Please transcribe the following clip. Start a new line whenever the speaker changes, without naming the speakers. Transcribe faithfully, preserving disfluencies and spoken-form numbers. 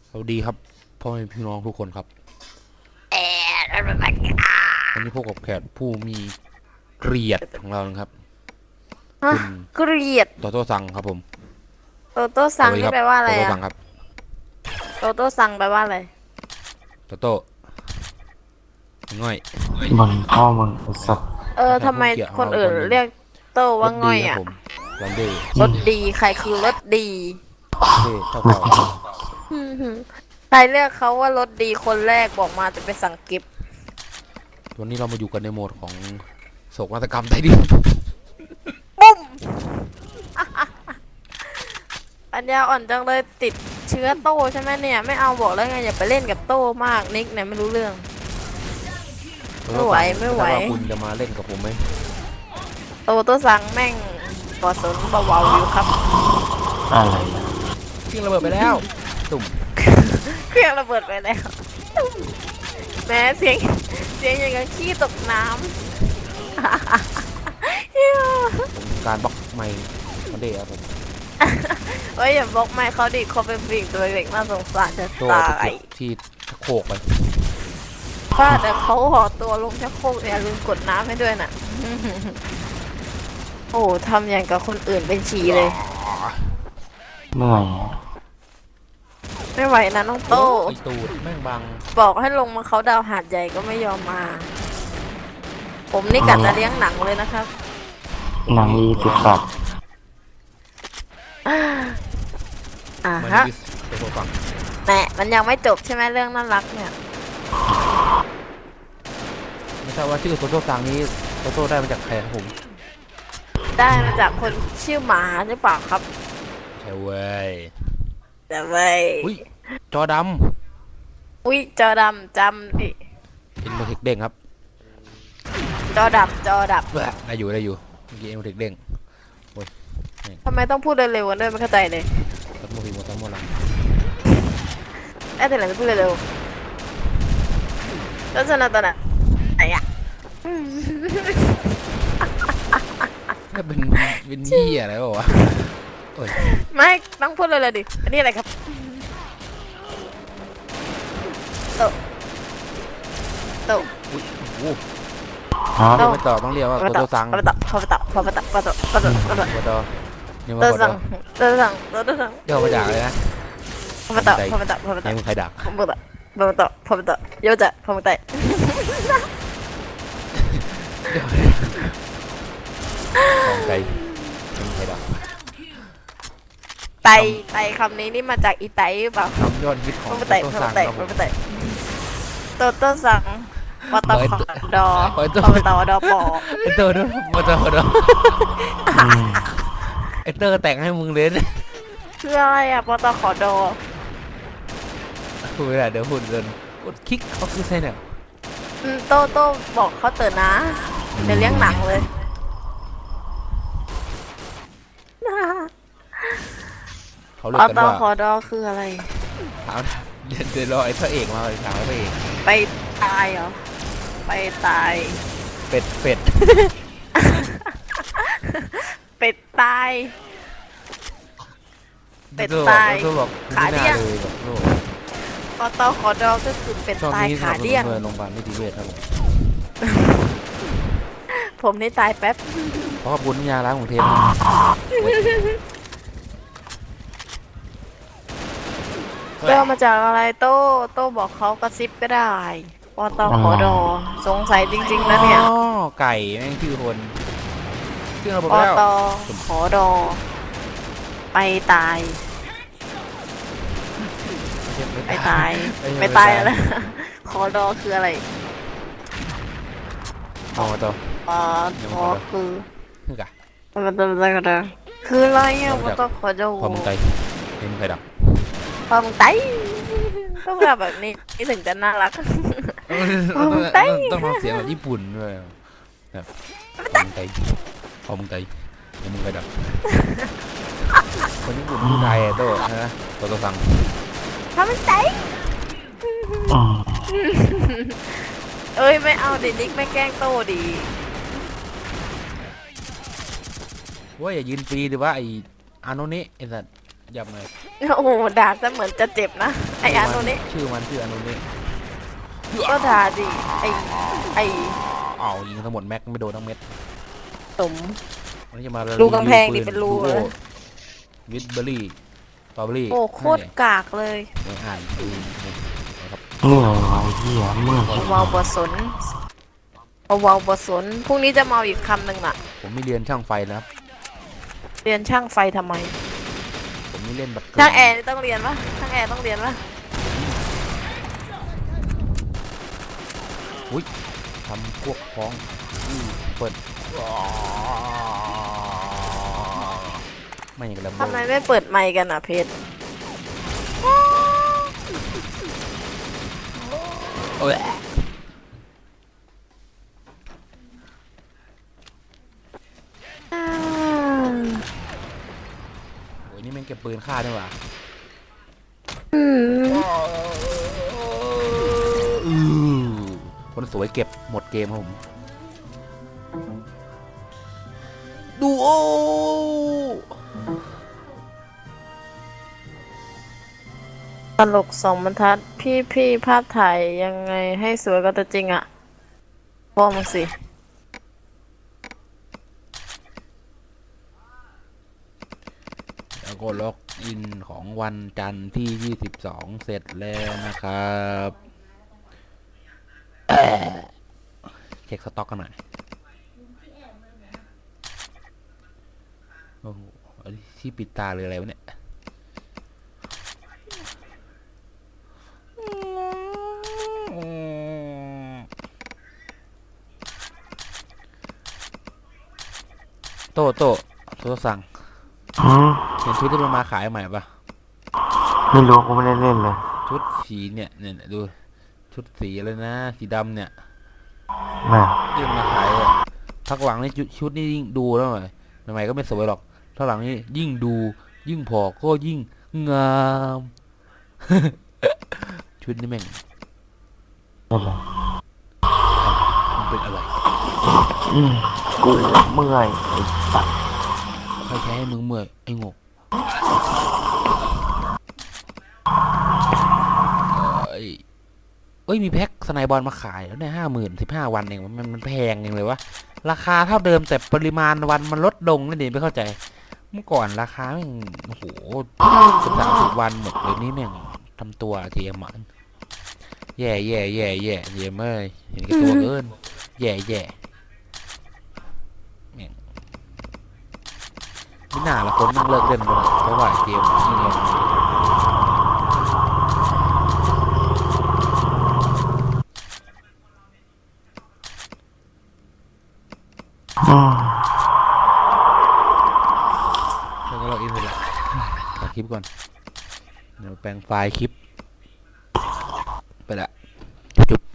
สวัสดีครับพ่อแม่พี่น้องทุกคนครับ
เอ๊ะ
วันนี้พบกับแขกผู้มีเกียรติของเรานะครับ
ฮะ
คุณ
เกลียด
โตโต้ซังครับผม
โตโต้ซัง
สวัสดีครับ
นี่แปลว่าอะ
โต
ไรอะ
โต้ซังครับ
โตโต้ซังแปลว่าอะไร
โตโต้ง่อย
มึงพ่อมึงไอ้สัส
เออทำไมคนอื่นเรียกโตว่าง่อยอะ
รถดีครับผมรันเดย์
รถดีใครคือรถดี
เท่เท่าเก่า
ใครเรียกเขาว่ารถดีคนแรกบอกมาจะไปสั่งกิฟต์
วันนี้เรามาอยู่กันในโหมดของโศกนาฏกรรมไทยดิน
ปุ้ม ปัญญาอ่อนจังเลยติดเชื้อโตใช่ไหมเนี่ยไม่เอาบอกแล้วไงอย่าไปเล่นกับโตมากนิกเนี่ยไม่รู้เรื่อง ไม่ไหวไม่ไหว
ว่าคุณจะมาเล่นกับผมไหม
โตโต้ซังแม่งกอดสนเบาๆอยู่ครับ
อะไรนะ
ทิ้งระเบิดไปแล้วตุ่ม
เครื่องระเบิดไปแล้วแม้เสียงเสียงอย่างกับขี้ตกน้ำ
ผมการบล็อกไม่รันเดย์ครับผม
เฮ้ยอย่าบล็อกไม่เขาดิเขาเป็นผู้หญิงตัวเล็กน่าสงสารจะ
โต
ตา
ไป
ย
เก็บที่ชักโครกไป
ป้าแต่เขาห่อตัวลงชักโครกเนี่ยลืมกดน้ำให้ด้วยน่ะ โอ้ทำอย่างกับคนอื่นเป็นฉี่เลย
เหนื่อย
ไม่ไหวนะน้องโต
ไอตูดแม่งบัง
บอกให้ลงมาเขาดาวหาดใหญ่ก็ไม่ยอมมา ผมนี่กัดจะเลี้ยงหนังเลยนะครับ
หนังยี่สิบสัตว์
อ่า
มัน
ฮะ
ดิสโตโต้ซัง
แหมมันยังไม่จบใช่ไหมเรื่องน่ารักเนี่ย
ไม่ทราบว่าชื่อโตโต้ซังนี้โตโต้ได้มาจากใครครับผม
ได้มาจากคนชื่อหมาหรือเปล่าครับ
ใช่เว้ย
แต่เว้ย
อุ้ยจอด
อุ้ยจอดำจำดิ
ำเอ็นโมเทคเด้งครับ
จอดับจอดับ
แหละได้อยู่ได้อยู่เมื่อกี้เอ็นโมเทคเด้ง
ทำไมต้องพูดเร็วๆกันด้วยไม่เข้าใจเลย
ตัดโมฮีโมตัดโมลัง
แอดแต่ไหนจะพูดเร็วๆแล้วชนะตอนไหนไหนอะ
นี่เป็นเป็นยี่อะไรวะวะโอ้ย
ไม่ต้องพูดเลยเลยดิอันนี้อะไรครับโตโต
อุ้ยโอ้โห
ฮะ
เรียกไม่ต่อต้องเรียกว่าโตโต้ซัง
พอไปต่อพอไปต่อพอไปต่อพอไปต่อพอไปต่อพอไปต่อ
โตโต้นี่
โต
มาโต
ซั
โต้
งโตซังโตซัง
เรียกมาจากอะไรนะ
พอไปต่อพอไปต่อพอไป
ไหน
ต่อ
มึงใครดัก
พอไปต่อพอไปต่อพอไปต่อโยจะพอไปต่อ
ของใจมึงใครดัก
ไตไตคำนี้นี่มาจากอีไตหรือเปล่า
คำยอดฮิตข
พ
อง
อ
โต
ไปต่อ
โต้
พอ
ซั
ไป
ง
ต่อ
ครับผม
พอไปต่อโตโต้ซังปตคดอ
เปิดตัว
พอไปต่อดอปอ
ไอเตอร์ด้วยมาเตอร์ด้วย
อืม
ไอเตอร์แต่งให้มึงเลยนะ
คืออะไรอะปตคดอ
พูดไม่ได้เดี๋ยวพูดเดินกดคลิกเขาคือใช่เนี่ย
อืมโตโต้บอกเขาเตือนนะเดี๋ยวเลี้ยงหนังเลย
เขาเรีย
ป
กกัน
ต
ว่า
คดอคืออะไร
ถามเดี๋ยวเดี๋ยวรอไอ้พระเอกมาเลยถามไอ้พระเอก
ไปตายเหรอไปตาย
เป็ดเป็ด
เป็ดตาย เป็ดตาย
ตัวบอก
ขาเดี้ยง
ไม่น่เลยแบบโลก
ปตคดอก็คือเป็ด
ช่วง
ตาย
นี้
ขาเดี้ยง
เงินโรงพยาบาลนิติเวชครับผม
ผมนี่ตายแป๊บ
ขอขอบคุณยาล้างของเทป
เริ่มมาจากอะไรโต้โต้บอกเขากระซิบก็ได้ปตคดอสงสัยจริงๆนะเนี่ย
อ๋อไก่แม่งชื่อคนชื่อเราบอก
ป
แล้ว
ตขอดอไปตายไปตายไปตายอะไรขอดอคืออะไร
อ๋อต่อ
ปตคือ
นี่กะ
ปตปตดอคืออะไรอ่ะปตขอดอ
พอมึงไก่เห็นมึงไก่ดับ
พอมึงไตต้องแบบแบบนี้นี่ถึงจะน่ารัก พอมึงไก่
ต้องทำเสียงแบบญี่ปุ่นด้วยแบบพอมึงไก่พอมึงไก่เห็นมึงไก่ดับคนญี่ปุ่นพูดไทยอะโต้นะโตโต้ซัง
พอมึงไต
อืม
เอ้ยไม่เอาดินิกไม่แกล้งโตดี
ว่าอย่ายืนฟรีหรือว่าไออาโนเนะไอสัตว์ยับเลย
โอ้โหด่าซะเหมือนจะเจ็บนะไออาโนนี้
ชื่อมันชื่ออันนี้
ก็ด่าดิไอไอ
อ้าวยิงทั้งหมดแม็กไม่โดนทั้งเม็ด
สม
วันนี้จะมา
รูกำแพงดิเป็นรูเลย
วิดเบอรี่สตรอเบอรี่
โอ้โคตรกากเลย
ไม่อ่านดูนะครับ
เหนื่อยวะเหี้ยเมื่อย
เวาวบสนเวาวบสนพรุ่งนี้จะมาเอาอีกคำหนึ่งน่ะ
ผมไม่เรียนช่างไฟนะครับ
เรียนช่างไฟทำไม
ผมไม่เล่นบัตร
ช่างแอร์นี่ต้องเรียนปะช่างแอร์ต้องเรียนปะ
อุ้ยทำพวกพ้องอือเปิดไม่อย่างกับลำโพ
ทำ
ง
ไมไม่เปิดไมค์กันอ่ะเพชร
โอ้ย
อ่า
โอ้ยนี่แม่งเก็บปืนฆ่าด้วยว่ะ
อืม
อือคนสวยเก็บหมดเกมครับผมดูโอ
ตลกสองบรรทัดพี่พี่ภาพถ่ายยังไงให้สวยกว่าตัวจริงอ่ะพ่อมึงสิ
แล้วก็ล็อกอินของวันจันทร์ที่ยี่สิบสองเสร็จแล้วนะครับเช็คสต็อกกันหน่อยโอ้โหอันนี้ที่ปิดตาเลยอะไรวะเนี่ยโตโตโตสั่ง
อืม
เห็นชุดที่มันมาขายใหม่ปะ
ไม่รู้กูไม่ได้เล่นเลย
ชุดสีเนี่ยเนี่ยดูชุดสีอะไรนะสีดำเนี่ย
แม่
ที่มันมาขายอะพักหลังนี่ชุดชุดนี่ยิ่งดูแล้วหน่อยใหม่ๆก็ไม่สวยหรอกพักหลังนี่ยิ่งดูยิ่งพอก็ยิ่งงาม ชุดนี่แม่ง
เล่นเลย
มันเป็นอะไร
อืมกูเมื่อยไอ้สัตว์
ใครแค่ให้มึงเมื่อยไอ้งกเอ้ยเอ้ยมีแพ็คสไนบอลมาขายแล้วเนี่ยห้าหมื่นสิบห้าวันเองมันมันแพงเองเลยวะราคาเท่าเดิมแต่ปริมาณวันมันลดลงนั่นเองไม่เข้าใจเมื่อก่อนราคาแม่งโอ้โหสิบสามสิบวันหมดเลยนี่แม่งทำตัวเทียมมันแย่แย่แย่แย่เยี่ยมเลยเห็นแก่ตัวเกินแย่แย่แม่งไม่น่าละคนนั่งเลิกเล่นไปแล้วเพราะว่าเกมนี่ลง
อืม
แล้วก็เราอินไปละตัดคลิปก่อนเดี๋ยวแปลงไฟล์คลิปไปละจุ๊บ